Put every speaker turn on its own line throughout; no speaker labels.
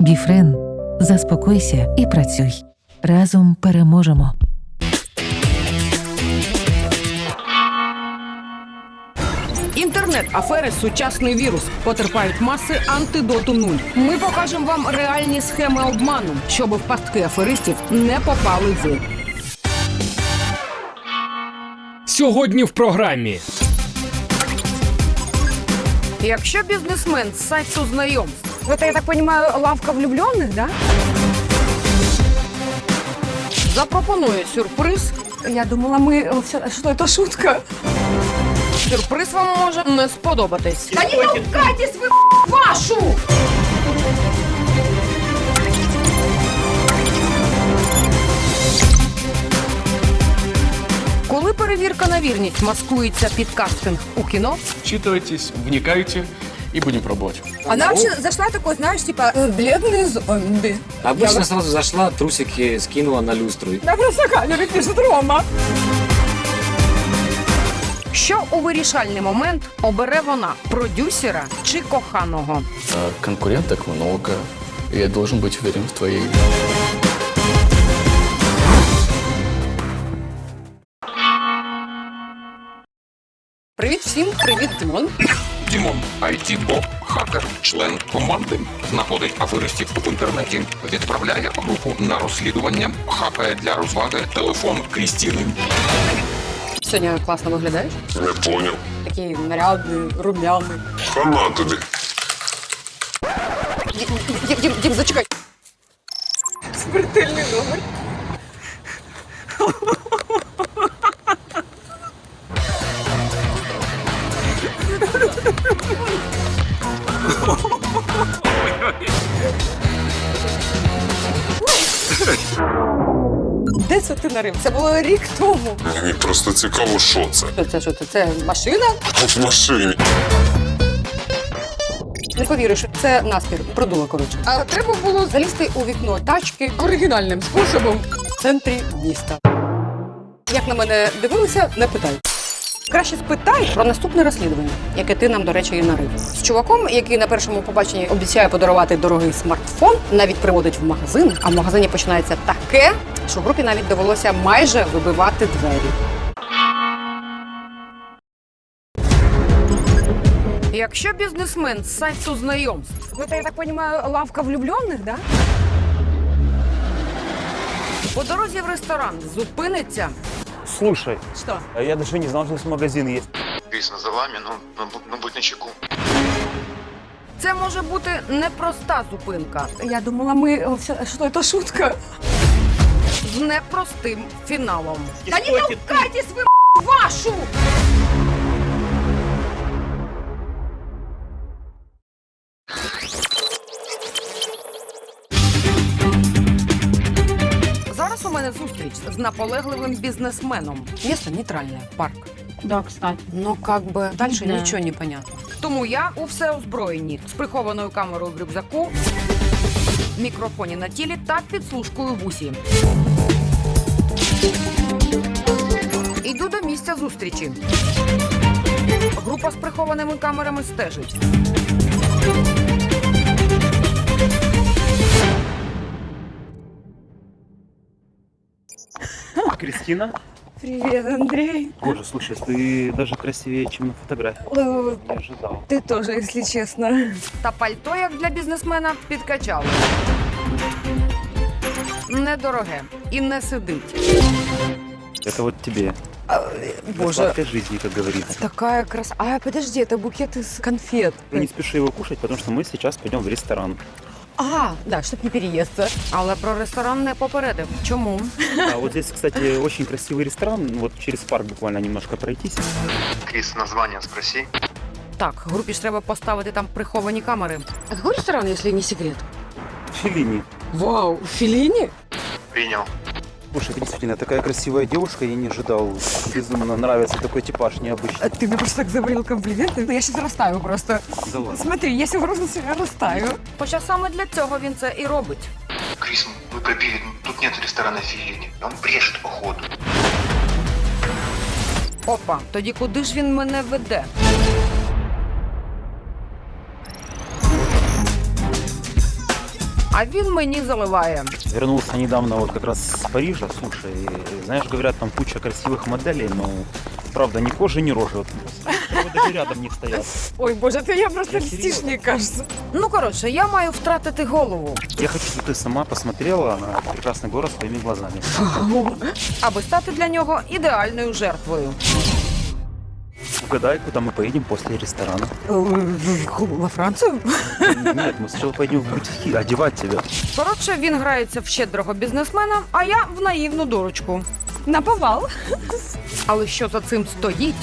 Біфрен. Заспокойся і працюй. Разом переможемо.
Інтернет-афери – сучасний вірус. Потерпають маси, антидоту нуль. Ми покажемо вам реальні схеми обману, щоб в пастки аферистів не попали ви.
Сьогодні в програмі.
Якщо бізнесмен з сайту знайомств, это, я так понимаю, лавка влюбленных, да? Запропонує сюрприз.
Я думала, что это шутка.
Сюрприз вам може не сподобатись.
Да не толкайтесь вы, вашу!
Коли перевірка на вірність маскується під кастинг у кіно,
Вчитывайтесь, вникайте и будем пробовать.
Она вообще зашла такой, знаешь, типа, бледные зомби.
Обычно сразу зашла, трусики скинула на люстру.
Да просто камеры пишет Рома.
що у вирішальний момент обере вона – продюсера чи коханого?
Конкуренток много, и я должен быть уверен в твоей.
Привіт всім, привіт, Дімон.
Дімон, IT-бот, хакер, член команди, знаходить аферистів в інтернеті, відправляє групу на розслідування, хакає для розваги телефон Крістіни.
Сьогодні класно виглядаєш.
Не поняв.
Такий нарядний, рум'яний.
Хана тобі.
Дім, зачекай.
Смертельный номер. Де це ти нарив? Це було рік тому.
Мені просто цікаво, що це.
Що це? Це машина?
В машині.
Не повіриш, це наспір, продула, коротше. А треба було залізти у вікно тачки оригінальним способом в центрі міста. Як на мене дивилися, не питай. Краще спитай про наступне розслідування, яке ти нам, до речі, і нарив. З чуваком, який на першому побаченні обіцяє подарувати дорогий смартфон, навіть приводить в магазин, а в магазині починається таке, що групі навіть довелося майже вибивати двері. Якщо бізнесмен з сайту знайомств,
Это, я так понимаю, лавка влюбленных, да?
по дорозі в ресторан зупиниться,
Слушай,
Что?
я даже не знал, что здесь магазин есть.
Кріс, за вами, ну будь начеку.
це може бути непроста зупинка
Я думала, что это шутка.
з непростим фіналом.
Да не толкайтесь вы, вашу!
Зараз у мене зустріч з наполегливим бізнесменом. Місто нейтральне, парк.
Да, кстати.
Ну, как бы, дальше
Да.
нічого не понятно. Тому я у всеозброєнні, з прихованою камерою в рюкзаку, мікрофоні на тілі та підслужкою в усі. Іду до місця зустрічі. Група з прихованими камерами стежить.
Кристина?
Привет, Андрей.
Боже, слушай, ты даже красивее, чем на фотографии. Не ожидал.
Ты тоже, если честно.
Та пальто, як для бізнесмена, підкачало. Недороге і не сидить.
Это вот тебе.
Боже,
Сладкой жизни, как говорится.
такая красота. А, подожди, это букет из конфет.
Ты не спеши его кушать, потому что мы сейчас пойдем в ресторан.
Да, чтобы не переесться.
Але про ресторан не попередив. Чому?
А вот здесь, кстати, очень красивый ресторан. Вот через парк буквально немножко пройтись.
Крис, название спроси.
Так, групі ж треба поставити там приховані камери. А який ресторан, якщо не секрет?
Феллини.
Вау, Феллини?
Принял.
Слушай, действительно, такая красивая девушка, я не ожидал. Безумно нравится такой типаж необычный.
Ты мне просто так завалил комплименты. Я сейчас растаю просто.
Да ладно.
Смотри, я сегодня себя растаю.
Хоча саме для цього він це і робить.
Крис, вы пробили, тут нет ресторана Филини. Он брешет, походу.
Опа, тоді куди ж він мене веде?
А він мені заливає.
Вернулся недавно вот как раз с Парижа, слушай, и, знаешь, говорят, там куча красивых моделей, но правда ни кожи, ни рожи. Вот, даже рядом не стоят.
Ой, боже, ты я просто
Я
льстишь,
серьезно.
мне кажется.
Ну, коротше, я маю втратити голову,
Я хочу, чтобы ты сама посмотрела на прекрасный город своими глазами.
аби стати для нього ідеальною жертвою.
Угадай, куда мы поедем после ресторана.
Во Францию?
Нет, мы сначала пойдем в бутики одевать тебя.
Коротше, він грається в щедрого бізнесмена, а я в наївну дурочку.
Наповал.
Але що за цим стоїть?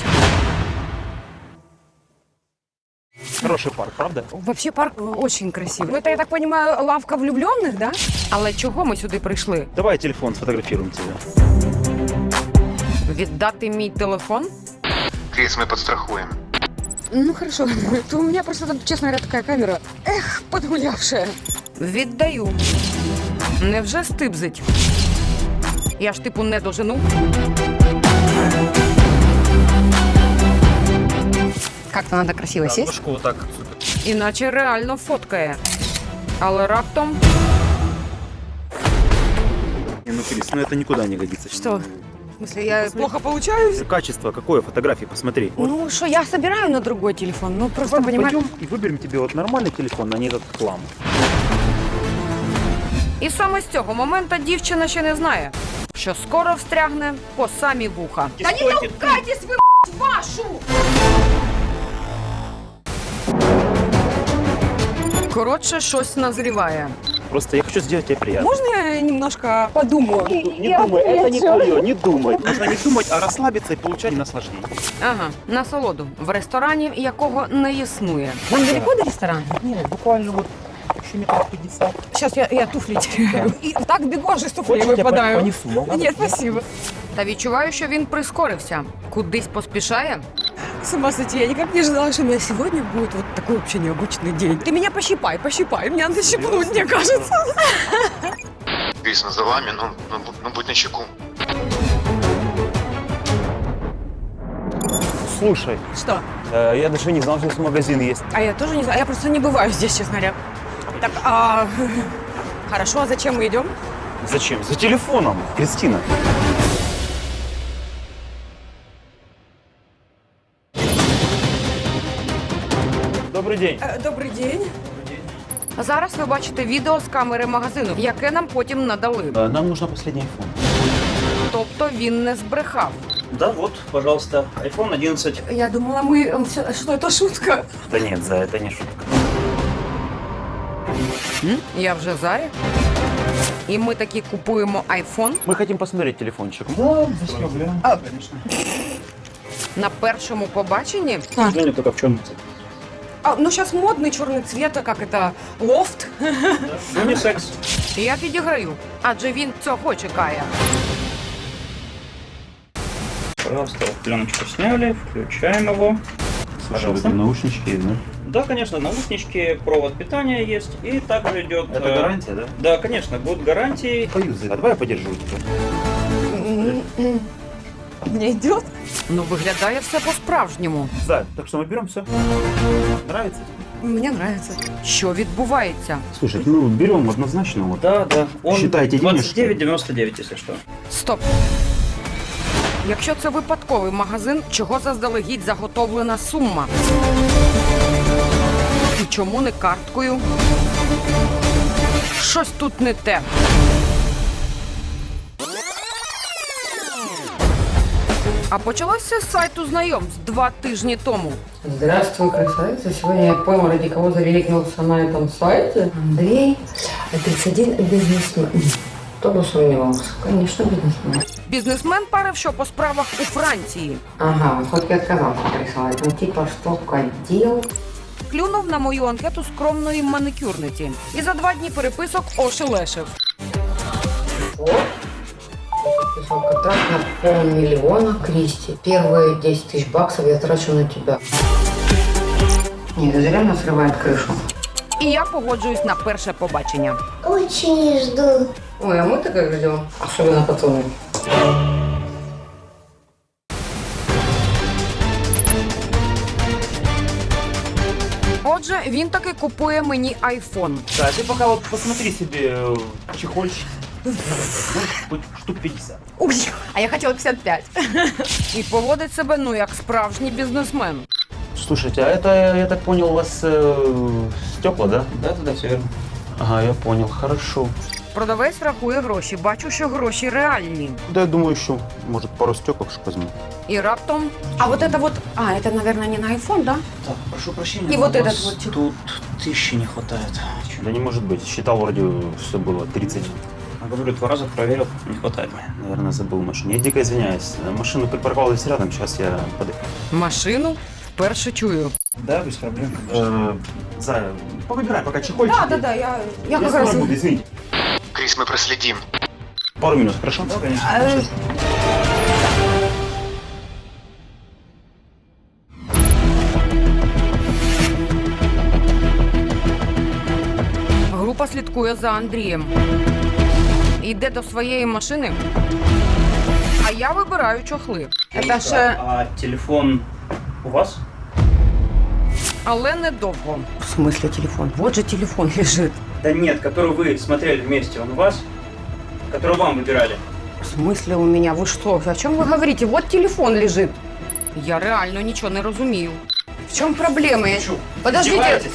Хороший парк, правда?
Вообще парк очень красивый. Это, я так понимаю, лавка влюбленных, да?
Але чого ми сюди прийшли?
Давай телефон сфотографируем тебя.
Віддати мій телефон?
Крис, мы подстрахуем.
Ну хорошо. То у меня просто там, честно говоря, такая камера. Эх, подгулявшая.
Віддаю. Невже стибзить? Я ж типу не дожену.
Как-то надо красиво сесть.
Ножку вот так.
Іначе реально фоткає. Але раптом
Не, ну, Крис, ну это никуда не годится.
Что? В смысле, я плохо получаюсь?
Качество какое фотографии, посмотри. Вот
Ну что, я собираю на другой телефон. Ну просто понимаю.
пойдем и выберем тебе вот нормальный телефон, а не этот хлам.
І саме з цього моменту дівчина ще не знає, що скоро встрягне по самі вуха.
Да не толкайтесь вы, вашу!
Коротше, щось назріває.
Просто я хочу сделать тебе приятно.
Можно я немножко подумаю?
Не думай, это не твое, не думай. Нужно не думать, а расслабиться и получать наслаждение.
Ага, насолоду в ресторані, якого не існує.
Вам далеко до ресторана?
Нет, буквально вот еще метров 50.
Сейчас я туфли теряю. И так бегу, аж из туфлей
Хочешь, я
выпадаю.
понесу?
Нет, спасибо.
Та відчуваю, що він прискорився. Кудись поспішає.
С ума сойти, я никак не ожидала, что у меня сегодня будет вот такой вообще необычный день. Ты меня пощипай, меня надо щипнуть, мне кажется.
Крис, ну за вами, ну будь начеку.
Слушай,
Что?
я даже не знал, что здесь магазин есть.
А я тоже не знаю, я просто не бываю здесь, честно говоря. Так, хорошо, а зачем мы идем?
Зачем? За телефоном, Кристина. Добрый день.
Добрый день.
Зараз ви бачите відео з камери магазину, яке нам потім надали.
Нам нужно последний iPhone.
Тобто він не збрехав.
Да, вот, пожалуйста, iPhone 11.
Я думала, что это шутка.
Да нет, за это не шутка.
Я вже зарі. І ми таки купуємо айфон
Мы хотим посмотреть телефончик.
на першому побаченні.
Ну, только в чем?
Ну сейчас модный черный цвет, а как это, лофт.
Унисекс.
Я підіграю, адже він цього чекає.
Пожалуйста, пленочку сняли, включаем его. Пожалуйста.
Наушнички, да?
Да, конечно, наушнички, провод питания есть, и также идет...
Это гарантия, да?
Да, конечно, будут гарантии.
Поюзай. А давай я подержу тебя.
Мне идет.
Ну, виглядає все по-справжньому.
Да, так что мы берем все. Нравится?
Мне нравится.
Що відбувається?
Слушай, ну берем однозначно. Вот.
Да, да. Он
Считайте денежки.
29,99, если что.
Стоп. Якщо це випадковий магазин, чого заздалегідь заготовлена сума? І чому не карткою? Щось тут не те. А почалося з сайту знайомств 2 тижні тому.
Здравствуй, красавица. Сегодня я понял, ради кого зареликнулся на этом сайте. Андрей, 31, бизнесмен. Кто бы сомневался? Конечно, бизнесмен.
Бізнесмен парив, що по справах у Франції.
Ага, хоть и отказался присылать. Ну, типа, что дел?
Клюнув на мою анкету скромної маникюрниці. І за 2 дні переписок ошелешив.
Подписал контракт на $500 000, Кристи. Первые 10 000 баксов я трачу на тебя. Нет, это реально срывает крышу.
І я погоджуюсь на перше побачення.
Очень жду. Ой, а мы-то как ждем? Особенно пацаны.
Отже, він таки купує мені айфон.
Да, ты пока вот посмотри себе чехольчик. Хоть штук 50.
Ой, а я хотела 55.
І поводить себе, ну, як справжній бізнесмен.
Слушайте, а это, я так понял, у вас стекла, да?
Да, все верно.
Ага, я понял, хорошо.
Продавець рахує гроші, бачу, що гроші реальні.
Да, я думаю, еще, может, пару стеклышек возьму.
І раптом
А вот это вот... А, это, наверное, не на iPhone, да?
Так, прошу прощения.
И
но
вот
у
этот
вас
вот.
Тут 1000 не хватает.
Да не может быть, считал вроде все было 30.
А говорю, 2 раза проверил, не хватает.
Наверное, забыл машину. Я дико извиняюсь. Машину припарковалась рядом, сейчас я подойду.
машину вперше чую.
Да, без проблем.
Зая, повыбирай пока чехольчик.
Да, я
Я
как
скоро
раз...
буду, извините.
Крис, мы проследим.
Пару минут, хорошо?
Да, конечно.
Група слідкує за Андрієм. Йде до своєї машини, а я вибираю чохли.
Это же...
А телефон у вас?
Але недовго.
В смысле телефон? Вот же телефон лежит.
Да нет, который вы смотрели вместе, он у вас? Который вам выбирали?
В смысле у меня? Вы что? О чем вы говорите? Вот телефон лежит.
Я реально нічого не розумію.
В чем проблема? Я...
Чё,
Подождите.
издеваетесь?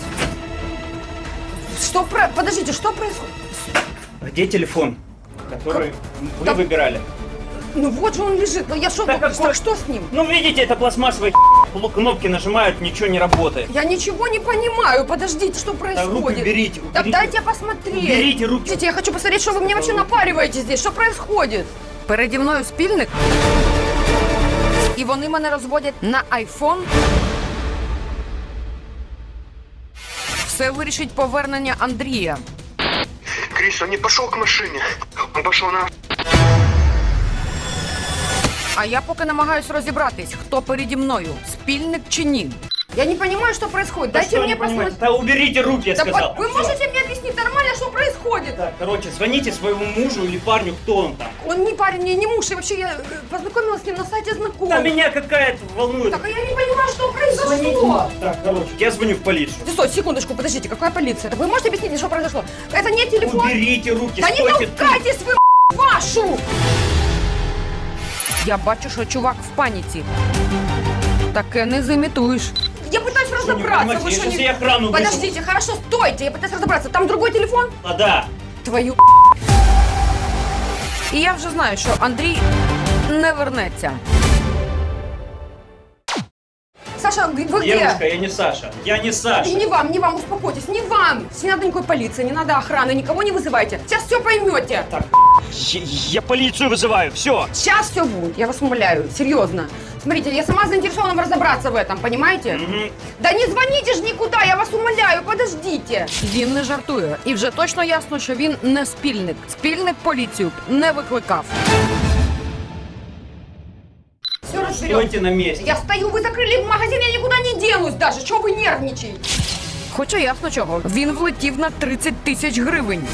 Подождите, что происходит?
Где телефон, который вы
Да-
выбирали?
Ну вот же он лежит. Ну я что?
Да какой-
Что с ним?
Ну видите, это пластмассовая кнопки нажимают, ничего не работает.
Я ничего не понимаю. Подождите, что
Да,
происходит?
руки уберите,
Да
уберите.
дайте посмотреть.
Уберите руки.
Подождите, я хочу посмотреть, что вы мне вообще напариваете здесь. Что происходит?
Переді мною спільник, і вони мене розводять на айфон. Все вирішить повернення Андрія.
Крис, он не пошел к машине. Он пошел на...
А я поки намагаюсь розібратись, хто переді мною, спільник чи ні.
Я не понимаю, что происходит.
Да
Дайте
что
мне
не понимаете?
посмотреть.
Да уберите руки, я
Да
сказал.
вы можете мне объяснить нормально, что происходит?
Так, короче, звоните своему мужу или парню, кто он там.
Он не парень, не муж, и вообще я познакомилась с ним на сайте
Да
знакомых.
меня какая-то волнует.
Так а я не понимаю, что произошло.
Так, короче, я звоню в полицию.
Стой, секундочку, подождите, какая полиция? Так вы можете объяснить мне, что произошло? Это не телефон.
Уберите руки,
Да не
стойте тут.
толкайтесь вы, вашу!
Я бачу, що чувак в паніці. Таке не зімітуєш.
Я пытаюсь
Что, не
разобраться.
понимаете,
Вы
я
что,
сейчас
не...
и охрану вызову.
Подождите, хорошо, стойте, я пытаюсь разобраться. Там другой телефон?
А, да.
Твою...
І я вже знаю, що Андрій не вернеться.
Саша, вы где?
Девушка, я не Саша. Я не Саша.
И не вам, успокойтесь, не вам. Не надо никакой полиции, не надо охраны, никого не вызывайте. Сейчас все поймете.
Я полицию вызываю, все.
Сейчас все будет, я вас умоляю, серьезно. Смотрите, я сама заинтересована разобраться в этом, понимаете? Да не звоните же никуда, я вас умоляю, подождите.
Він не жартує. І вже точно ясно, що він не спільник. Спільник поліцію не викликав.
Все разберем.
Стойте на месте.
Я стою, вы закрыли магазин, я никуда не денусь даже. Чего вы нервничаете?
Хоча ясно чого. Він влетів на 30 тисяч гривень.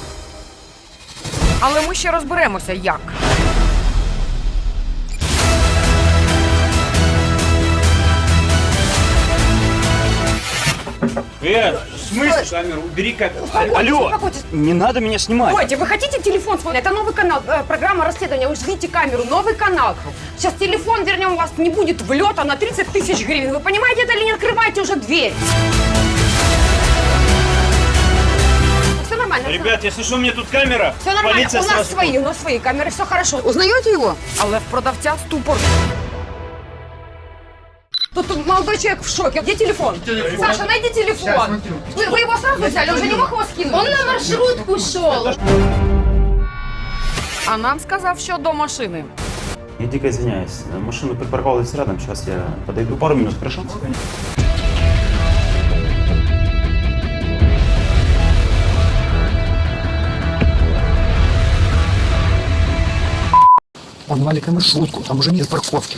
Але ми ще розберемося, як.
В смысле камеру? Убери камеру.
Успокойтесь,
Алло,
успокойтесь.
не надо меня снимать.
Стойте, вы хотите телефон смотреть? Это новый канал, программа расследования. Вы же видите камеру, новый канал. Сейчас телефон вернем, у вас не будет влета на 30 тысяч гривен. Вы понимаете это или не открывайте уже дверь? Все нормально.
Ребят, если что, у меня тут камера.
Все нормально,
Полиция
у нас
сразу-
свои камеры, все хорошо. Узнаете его?
Але в продавця ступор.
Тут молодой человек в шоке. Где телефон? Саша, найди телефон. Вы его сразу взяли, уже не мог его скинуть. Он на маршрутку шел.
А нам сказав, що до машини.
Я дико извиняюсь. Машину припарковалась рядом, сейчас я подойду. Пару минут, хорошо?
Он маленькая маршрутку, там уже нет парковки.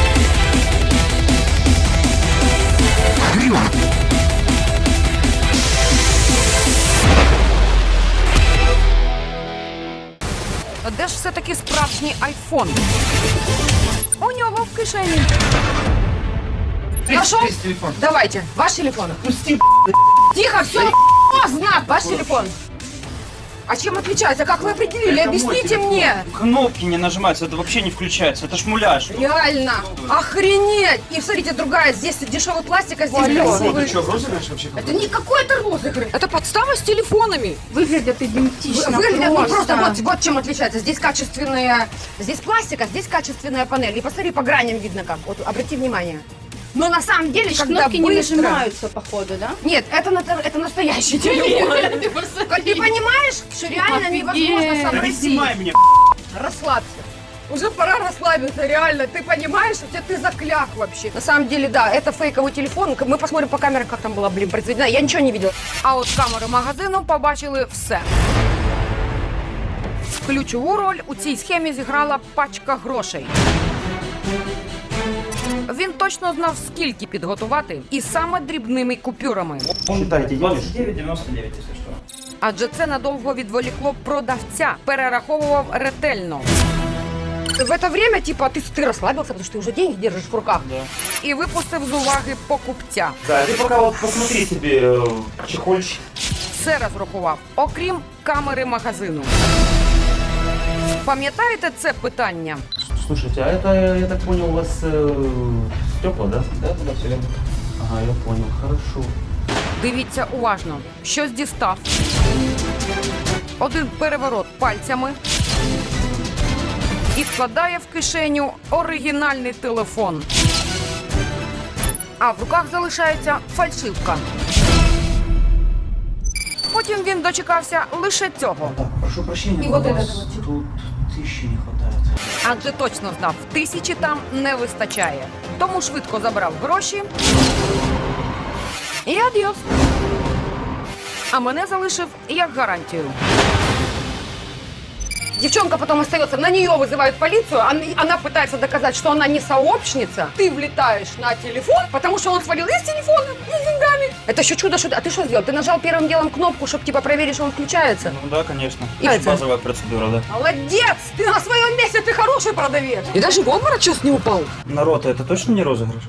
Де ж все-таки справжній айфон? У нього в кишені.
Нашел? Давайте, ваш телефон.
Пусти,
Тихо, все, знак, ваш телефон. А чем отличается? Как вы определили? Объясните мне.
Кнопки не нажимаются, это вообще не включается, это ж муляж.
Реально. Охренеть. И смотрите, другая. Здесь дешевый пластик, а здесь красивый.
что, розыгрыш вообще?
Это не какой-то розыгрыш.
Это подстава с телефонами.
Выглядят идентично. Выглядят, ну просто вот чем отличается. Здесь качественные, здесь пластик, а здесь качественная панель. И посмотри, по граням видно как. Вот обрати внимание. Но на самом деле, когда быстро...
походу, да?
Нет, это настоящий телефон. Ты понимаешь, что реально невозможно
Да не
сообразить.
снимай меня.
Расслабься. Уже пора расслабиться, реально. Ты понимаешь, что ты закляк вообще. На самом деле, да, это фейковый телефон. Мы посмотрим по камерам, как там была, произведена. Я ничего не видела.
А от камери магазину побачили все. Ключову роль у цій схемі зіграла пачка грошей. Він точно знав, скільки підготувати, і саме дрібними купюрами.
Считайте,
29,99, если что.
Адже це надовго відволікло продавця, перераховував ретельно.
В это время, типа, ты расслабился, потому что ты уже деньги держишь в руках.
І випустив з уваги покупця.
Да, ты пока вот посмотри себе чехольчик.
Все розрахував, окрім камери магазину. Пам'ятаєте це питання?
Слушайте, а это, я так понял, у вас стекла, да?
Да, все верно.
Ага, я понял, хорошо.
Дивіться уважно. Щось дістав. Один переворот пальцями. І вкладає в кишеню оригінальний телефон. А в руках залишається фальшивка. Потім він дочекався лише цього.
Так, прошу прощения,
И
но
вот
у
это
вас
вот.
тут 1000 не хватает.
Адже точно знав, 1000 там не вистачає. Тому швидко забрав гроші і адіос. А мене залишив як гарантію.
Девчонка потом остается, на нее вызывают полицию, она пытается доказать, что она не сообщница. Ты влетаешь на телефон, потому что он свалил и с телефоном, и с деньгами. Это еще чудо, что... А ты что сделал? Ты нажал первым делом кнопку, чтобы типа проверить, что он включается?
Ну да, конечно.
И
Это
это?
базовая процедура, да.
Молодец! Ты на своем месте, ты хороший продавец.
И даже в обморок сейчас не упал.
Народ, это точно не розыгрыш?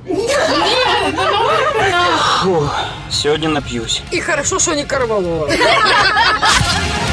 Фу, сегодня напьюсь.
И хорошо, что не Корвалова.